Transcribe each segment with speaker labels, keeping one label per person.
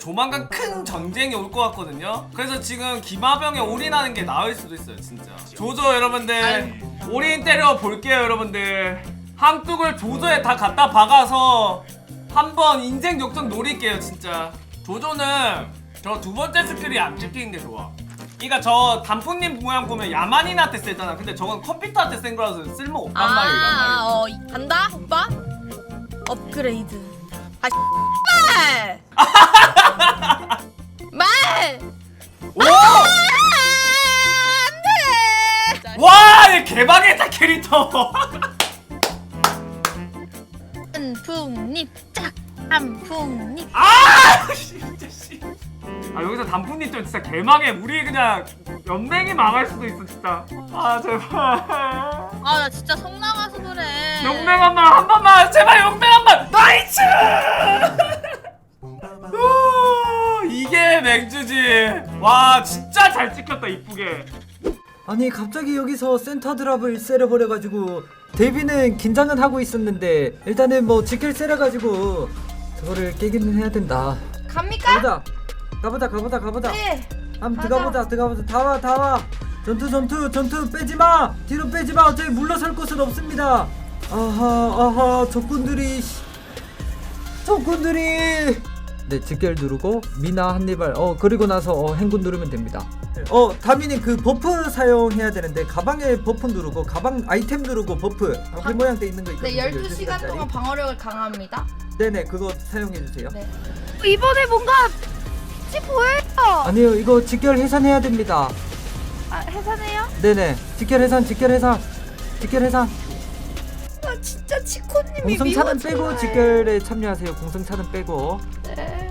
Speaker 1: 조만간 큰 전쟁이 올 것 같거든요. 그래서 지금 기마병에 올인하는 게 나을 수도 있어요 진짜. 조조 여러분들 올인 때려 볼게요 여러분들. 함뚝을 조조에 다 갖다 박아서 한번 인생 역전 노릴게요 진짜. 조조는 저 두 번째 스킬이 안 찍히는 게 좋아. 그니까 저 단풍님 모양 보면 야만인한테 쓰잖아. 근데 저건 컴퓨터한테 쓴 거라서 쓸모 없단 말이야.
Speaker 2: 간다 오빠. 업그레이드. 아 말. 말.
Speaker 1: 오!
Speaker 2: 안돼.
Speaker 1: 와, 얘 개방했다 캐릭터.
Speaker 2: 단풍잎 짝. 단풍잎.
Speaker 1: 아, 진짜 씨. 아 여기서 단풍님 좀 진짜 개망해. 우리 그냥 연맹이 망할 수도 있어 진짜. 아 제발.
Speaker 2: 아 나 진짜 성 나가서 그래.
Speaker 1: 용맹 한 번만 제발 용맹 한 번. 나이스. 이게 맹주지. 와 진짜 잘 찍혔다 이쁘게.
Speaker 3: 아니 갑자기 여기서 센터 드랍을 세려버려가지고 데뷔는 긴장은 하고 있었는데 일단은 뭐 지킬 세려가지고 저거를 깨기는 해야 된다.
Speaker 2: 갑니까?
Speaker 3: 가보자.
Speaker 2: 네.
Speaker 3: 한번
Speaker 2: 가자.
Speaker 3: 들어가보자. 다 와. 전투 빼지마. 뒤로 빼지마. 어차피 물러설 곳은 없습니다. 아하 적군들이. 네 직결 누르고 미나 한입을 그리고 나서 행군 누르면 됩니다. 다미님 그 버프 사용해야 되는데 가방에 버프 누르고 가방 아이템 누르고 버프 방패 모양 돼 있는 거 있거든요.
Speaker 2: 네 12시간 동안 방어력을 강화합니다.
Speaker 3: 네네 그거 사용해주세요.
Speaker 2: 네. 이번에 뭔가 빛이 보여요.
Speaker 3: 아니요 이거 직결 해산해야 됩니다.
Speaker 2: 아 해산해요?
Speaker 3: 네네 직결 해산
Speaker 2: 아 진짜 치코님이
Speaker 3: 공성차는
Speaker 2: 미워져요.
Speaker 3: 빼고 직결에 참여하세요. 공성차는 빼고.
Speaker 2: 네.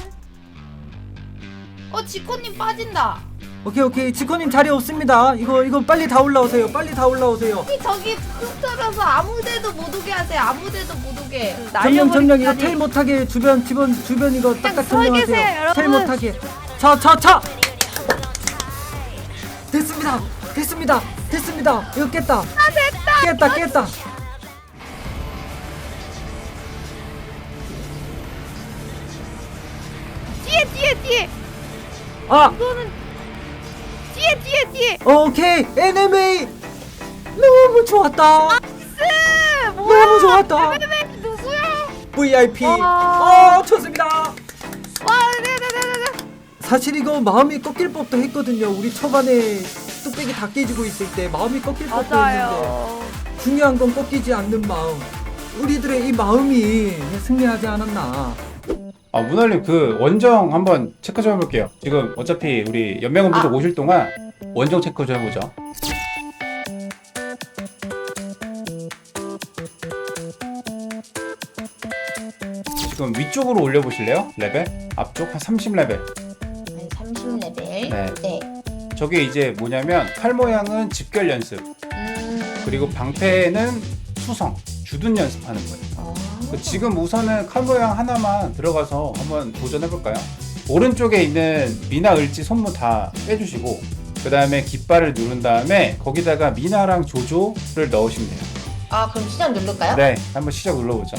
Speaker 2: 치코님 빠진다.
Speaker 3: 오케이 지코님 자리 없습니다. 이거 빨리 다 올라오세요.
Speaker 2: 저기 흩어져서 아무데도 못 오게 하세요. 아무데도 못 오게.
Speaker 3: 점령 이거 텔 못하게 주변 이거 딱딱
Speaker 2: 서 계세요,
Speaker 3: 점령하세요.
Speaker 2: 여러분.
Speaker 3: 텔 못하게. 차. 됐습니다. 이거 깼다.
Speaker 2: 됐다.
Speaker 3: 깼다.
Speaker 2: 뒤에.
Speaker 3: 아
Speaker 2: 이거는 뒤에.
Speaker 3: 오케이 NMA 너무 좋았다.
Speaker 2: 나이스. 뭐야?
Speaker 3: 너무 좋았다.
Speaker 2: 누구야?
Speaker 3: VIP. 좋습니다.
Speaker 2: 와, 네.
Speaker 3: 사실 이거 마음이 꺾일 법도 했거든요. 우리 초반에 뚝배기 다 깨지고 있을 때 마음이 꺾일 법도 했는데 중요한 건 꺾이지 않는 마음. 우리들의 이 마음이 승리하지 않았나.
Speaker 4: 문활님 그 원정 한번 체크 좀 해볼게요. 지금 어차피 우리 연맹원분들 오실 동안 원정 체크 좀 해보죠. 지금 위쪽으로 올려보실래요? 레벨? 앞쪽 한 30레벨.
Speaker 2: 30레벨.
Speaker 4: 네. 저게 이제 뭐냐면 칼 모양은 집결 연습, 그리고 방패는 수성, 주둔 연습하는 거예요. 지금 우선은 칼 모양 하나만 들어가서 한번 도전해볼까요? 오른쪽에 있는 미나 을지 손무 다 빼주시고 그 다음에 깃발을 누른 다음에 거기다가 미나랑 조조를 넣으시면 돼요.
Speaker 2: 그럼 시작 누를까요?
Speaker 4: 네, 한번 시작 눌러보죠.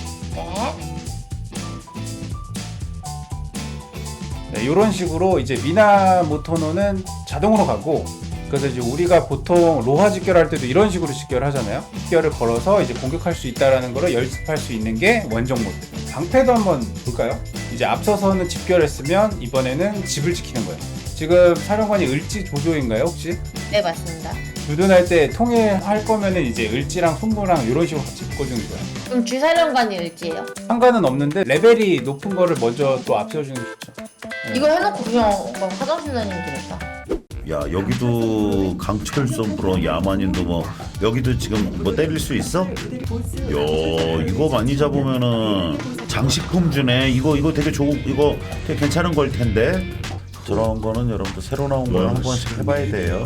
Speaker 4: 네, 이런 식으로 이제 미나 모토노는 자동으로 가고, 그래서 이제 우리가 보통 로하 직결할 때도 이런 식으로 직결하잖아요. 직결을 걸어서 이제 공격할 수 있다라는 거를 연습할 수 있는 게 원정 모드. 방패도 한번 볼까요? 이제 앞서서는 집결했으면 이번에는 집을 지키는 거예요. 지금 사령관이 을지 조조인가요 혹시?
Speaker 2: 네 맞습니다.
Speaker 4: 주둔할 때 통일할 거면은 이제 을지랑 손무랑 이런 식으로 같이 묶어주는 거예요.
Speaker 2: 그럼 주사령관이 을지예요?
Speaker 4: 상관은 없는데 레벨이 높은 거를 먼저 또 앞세워주는 게 좋죠. 네.
Speaker 2: 이거 해놓고 그냥 화장실 다니면 되겠다.
Speaker 5: 야 여기도 강철선 브로 야만인도 뭐 여기도 지금 뭐 때릴 수 있어? 야 이거 많이 잡으면은 장식품 주네. 이거 되게 이거 되게 괜찮은 걸 텐데. 저런 거는 여러분들 새로 나온 거는 한 번씩 해봐야 돼요.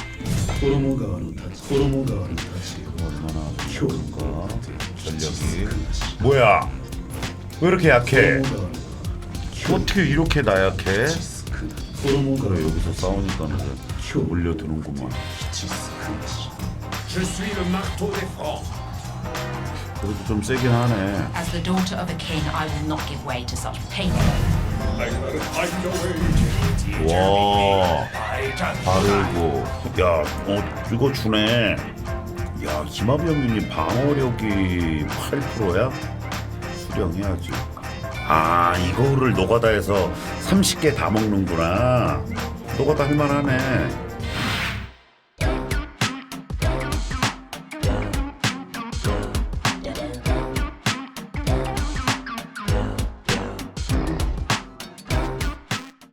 Speaker 5: 얼마나 좋을까 전력이. 뭐야 왜 이렇게 약해? 어떻게 이렇게 나약해? 그래 여기서 싸우니까는 올려드는구만. 그래도 좀 세긴 하네.
Speaker 6: As the daughter of a king, I will not give way to such painful.
Speaker 5: 와 바르고 야 이거 주네. 야 김하비 형님 방어력이 8%야? 수령해야지. 아 이거를 노가다에서 30개 다 먹는구나. 노가다 할만하네.